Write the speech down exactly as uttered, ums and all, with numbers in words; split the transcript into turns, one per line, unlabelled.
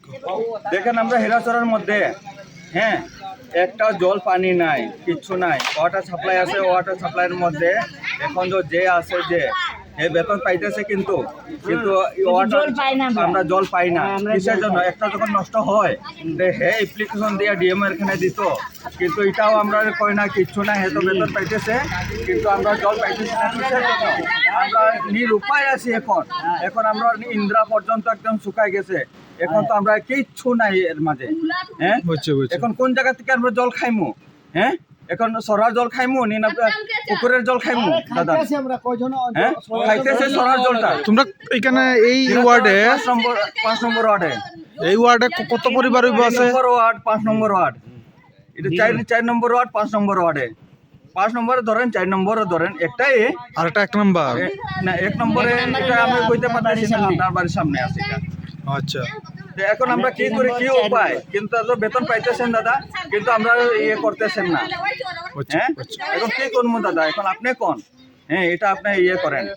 দেখেন আমরা হেরাচরের মধ্যে হ্যাঁ একটা জল পানি নাই, কিচ্ছু নাই। ওয়াটার সাপ্লাই আছে, ওয়াটার সাপ্লাইয়ের মধ্যে এখন যে আছে যে এই বেতন পাইতেছে, কিন্তু কিন্তু আমরা জল পাই না। কিসের জন্য? একটা যখন নষ্ট হয় হে অ্যাপ্লিকেশন দিয়ে ডিএম এর এখানে দিত, কিন্তু এটাও আমরা কই না, কিচ্ছু না। হে তো বেতন পাইতেছে, কিন্তু আমরা জল পাইতেছি না। কিসের জন্য? আমরা নিরুপায় আছি এখন। এখন আমরা ইন্দ্রা পর্যন্ত একদম শুকাই গেছে। এখন তো আমরা কিচ্ছু নাই এর মাঝে। হ্যাঁ, এখন কোন জায়গা থেকে আমরা জল খাইমু? হ্যাঁ, এখন সরার জল খাইমু নি না পুকুরের জল খাইমু? দাদা হ্যাঁ, খাইতেছে সরার জলটা।
তোমরা এখানে এই ওয়ার্ডে
পাঁচ নম্বর পাঁচ নম্বর ওয়ার্ডে
এই ওয়ার্ডে কত পরিবার আছে?
নম্বর ওয়ার্ড, পাঁচ নম্বর ওয়ার্ড। এটা চার চার নম্বর ওয়ার্ড, পাঁচ নম্বর ওয়ার্ডে। পাঁচ নম্বরে ধরেন, চার নম্বরে ধরেন, একটাই
আর একটা এক নম্বর
না, এক নম্বরে এটা আমি কইতে পারতেছি না, আপনার বাড়ির সামনে আছে এটা।
আচ্ছা,
এখন আমরা কি করি, কি উপায়? কিন্তু বেতন পাইতেছেন দাদা, কিন্তু আমরা ইয়ে করতেছেন না। হ্যাঁ, এখন কি করবো দাদা? এখন আপনি কোন? হ্যাঁ, এটা আপনি ইয়ে করেন।